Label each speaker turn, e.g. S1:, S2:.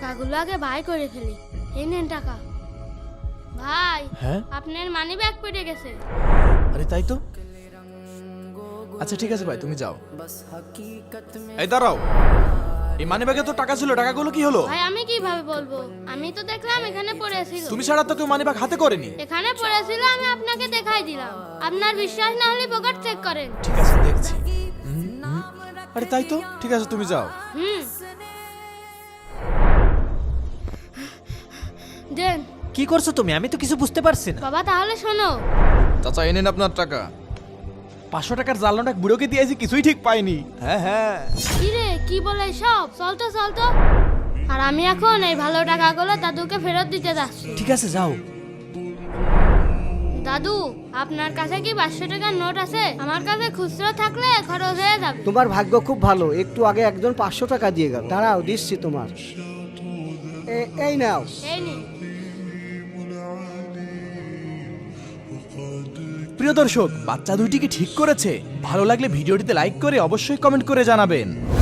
S1: টাকাগুলো আগে বাই করে ফেলি। এই নেন টাকা। ভাই,
S2: হ্যাঁ
S1: আপনার মানি ব্যাগ পড়ে গেছে।
S2: আরে তাই তো। আচ্ছা ঠিক আছে ভাই, তুমি যাও। এই দাঁড়াও, এই মানি ব্যাগে তো টাকা ছিল, টাকাগুলো কি হলো?
S1: ভাই আমি কিভাবে বলবো, আমি তো দেখলাম এখানে পড়েছিল।
S2: তুমি ছাড়া তো কেউ মানি ব্যাগ হাতে করেনি।
S1: এখানে পড়েছিল, আমি আপনাকে দেখাই দিলাম। আপনার বিশ্বাস না হলে পকেট চেক করেন।
S2: ঠিক আছে দেখছি। আরে তাই তো, ঠিক আছে তুমি যাও।
S1: হুম, দেন।
S3: কি করছো তুমি? আমি তো কিছু বুঝতে পারছি না।
S1: বাবা তাহলে শোনো।
S2: চাচা এনেন আপনার টাকা। 500 টাকার জাল নোট এক বুড়োকে দিয়েছি, কিছুই ঠিক পাইনি। হ্যাঁ হ্যাঁ।
S1: কি রে, কি বলে সব? চল তো চল তো। আর আমি এখন এই ভালো টাকাগুলো দাদুকে ফেরত দিতে যাচ্ছি।
S3: ঠিক আছে যাও।
S1: দাদু, আপনার কাছে কি 500 টাকার নোট আছে? আমার কাছে খুচরো থাকলে খরচ হয়ে যাবে।
S4: তোমার ভাগ্য খুব ভালো, একটু আগে একজন 500 টাকা দিয়ে গেল। দাঁড়াও, দিচ্ছি তোমার। এই নাও।
S1: এই নিন।
S2: প্রিয় দর্শক, বাচ্চা দুইটিকে ঠিক করেছে। ভালো লাগলে ভিডিওটিতে লাইক করে অবশ্যই কমেন্ট করে জানাবেন।